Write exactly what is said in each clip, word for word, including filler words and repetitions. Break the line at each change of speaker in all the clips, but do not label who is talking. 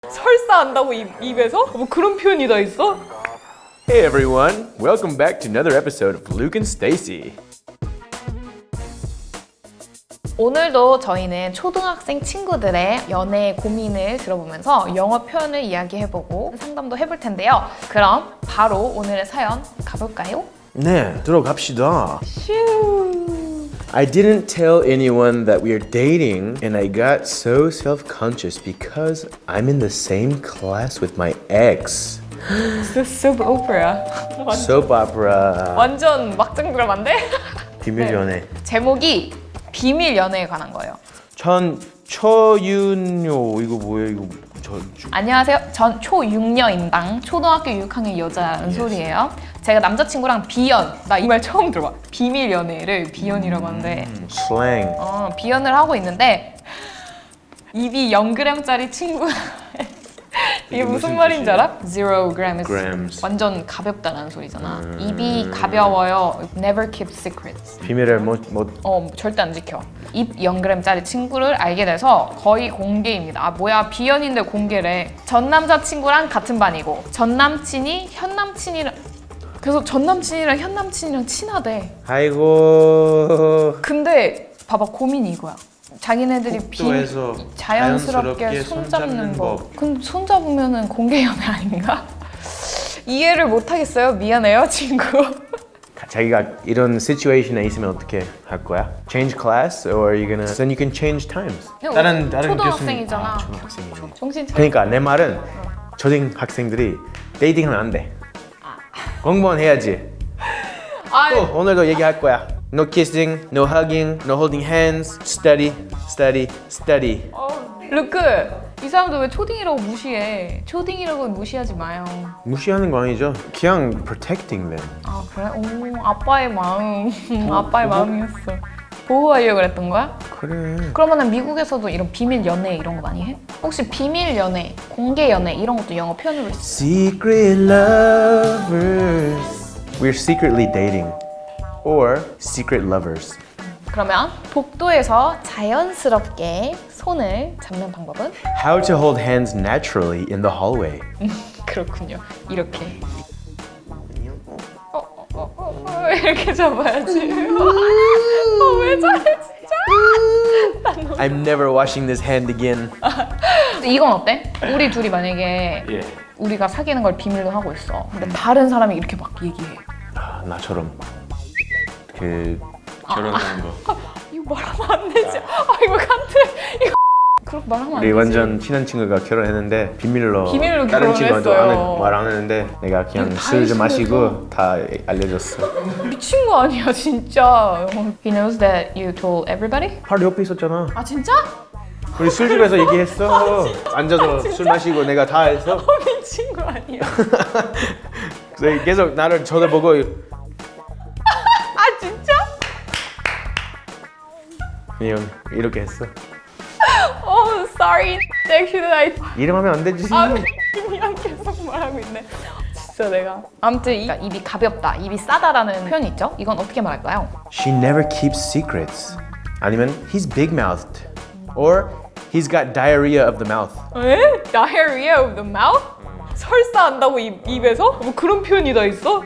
설사 한다고 입, 입에서? 뭐 그런 표현이 다 있어?
Hey everyone, welcome back to another episode of Luke and Stacy.
오늘도 저희는 초등학생 친구들의 연애 고민을 들어보면서 영어 표현을 이야기해보고 상담도 해볼 텐데요. 그럼 바로 오늘의 사연 가볼까요?
네, 들어갑시다.
슈.
I didn't tell anyone that we are dating and I got so self-conscious because I'm in the same class with my ex.
This is soap opera.
Soap opera.
완전 막장 드라마인데?
비밀 연애.
제목이 비밀 연애에 관한 거예요.
전 초윤요 이거 뭐예요? 이거 저 주-
안녕하세요. 전 초육녀인당 초등학교 육 학년 여자 은솔이에요. 제가 남자친구랑 비연, 나 이 말 처음 들어봐. 비밀 연애를 비연이라고 하는데
음, 슬랭.
어, 비연을 하고 있는데 입이 영 그램짜리 친구 이게 무슨
무슨
말인지
뜻이에요?
알아? zero grams.
Grams.
완전 가볍다는 소리잖아. 입이 가벼워요. Never keep secrets.
비밀을 못못
어, 절대 안 지켜. 입 영 그램짜리 친구를 알게 돼서 거의 공개입니다. 아, 뭐야, 비연인데 공개래. 전 남자친구랑 같은 반이고 전 남친이 현 남친이랑 그래서 전 남친이랑 현 남친이랑 친하대.
아이고.
근데 봐봐, 고민이 이거야. 자기네들이 비
복도에서
자연스럽게
자연스럽게
손잡는
손잡는
법.
법.
근데 손잡으면은 공개 연애 아닌가? 이해를 못 하겠어요. 미안해요, 친구.
자기가 이런 situation에 있으면 어떻게 할 거야? Change class or are you gonna then you can change times. 다른 다른
초등학생이잖아.
교수님. 아, 초등학생이네.
정신 차려.
그러니까 내 말은 초등학생들이 데이팅하면 안 돼. 공부만 해야지.
아,
또 오늘도 얘기할 거야. No kissing, no hugging, no holding hands. Study, study, study.
어, 루크, 이 사람도 왜 초딩이라고 무시해? 초딩이라고 무시하지 마요.
무시하는 거 아니죠? 그냥 protecting them.
아, 그래? 오, 아빠의 마음. 아빠의 마음이었어. 보호하려고 그랬던 거야?
그래.
그러면은 미국에서도 이런 비밀 연애 이런 거 많이 해? 혹시 비밀 연애, 공개 연애 이런 것도 영어 표현으로 있어?
Secret lovers. We're secretly dating. Or secret lovers.
그러면 복도에서 자연스럽게 손을 잡는 방법은?
How to hold hands naturally in the hallway.
그렇군요. 이렇게. 어, 어, 어, 어, 어, 이렇게 잡아야지. 어, 왜 저래 진짜?
I'm never washing this hand again.
이건 어때? 우리 둘이 만약에
예.
우리가 사귀는 걸 비밀로 하고 있어. 근데 다른 사람이 이렇게 막 얘기해.
아, 나처럼 그 결혼하는 거.
이거 말하면 안 되지. 아, 이거 간트. 이거 그렇게 말하면 안
우리
되지.
완전 친한 친구가 결혼했는데 비밀로
비밀로
다른 친구한테
결혼했어요.
말 안 했는데 내가 그냥
이거 다
술 좀
알려줘서.
마시고 다 알려줬어.
미친 거 아니야 진짜. He knows that you told everybody?
바로 옆에 있었잖아.
아 진짜?
우리 술집에서 얘기했어. 앉아서 술 마시고 내가 다 했어.
어, 미친 거 아니야.
그래서 계속 나를 쳐다보고
아 진짜?
그냥 이렇게 했어.
Oh sorry. Actually I.
이름하면 안 되지.
아 그냥 계속 말하고 있네. 진짜 내가. 아무튼 이, 입이 가볍다, 입이 싸다라는 표현이 있죠. 이건 어떻게 말할까요?
She never keeps secrets. 아니면 he's big-mouthed. Or he's got diarrhea of the mouth.
에? Diarrhea of the mouth? 설사 한다고 입, 입에서? 뭐 그런 표현이 다 있어?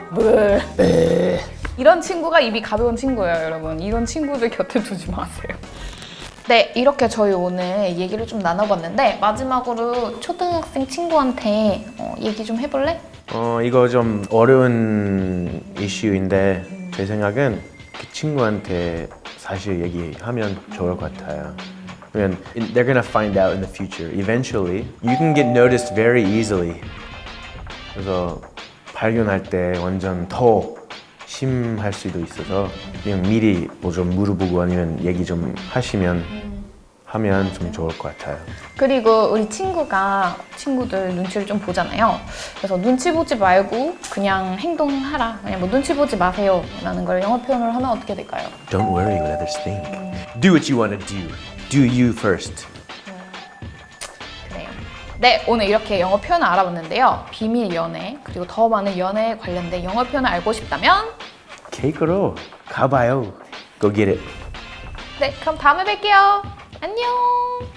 이런 친구가 입이 가벼운 친구예요, 여러분. 이런 친구들 곁에 두지 마세요. 네, 이렇게 저희 오늘 얘기를 좀 나눠봤는데 마지막으로 초등학생 친구한테 어, 얘기 좀 해볼래?
어 이거 좀 어려운 이슈인데 제 생각은 그 친구한테 사실 얘기하면 좋을 것 같아요. 왜냐면 they're gonna find out in the future. Eventually, you can get noticed very easily. 그래서 발견할 때 완전 더 심할 수도 있어서 그냥 미리 뭐 좀 물어보고 아니면 얘기 좀 하시면 하면 좀 좋을 것 같아요.
그리고 우리 친구가 친구들 눈치를 좀 보잖아요. 그래서 눈치 보지 말고 그냥 행동하라. 그냥 뭐 눈치 보지 마세요 라는 걸 영어 표현으로 하면 어떻게 될까요?
Don't worry what others think. Do what you want to do. Do you first.
그래요. 네, 오늘 이렇게 영어 표현을 알아봤는데요. 비밀 연애, 그리고 더 많은 연애에 관련된 영어 표현을 알고 싶다면
케이크로 가봐요. Go get it.
네, 그럼 다음에 뵐게요. 안녕.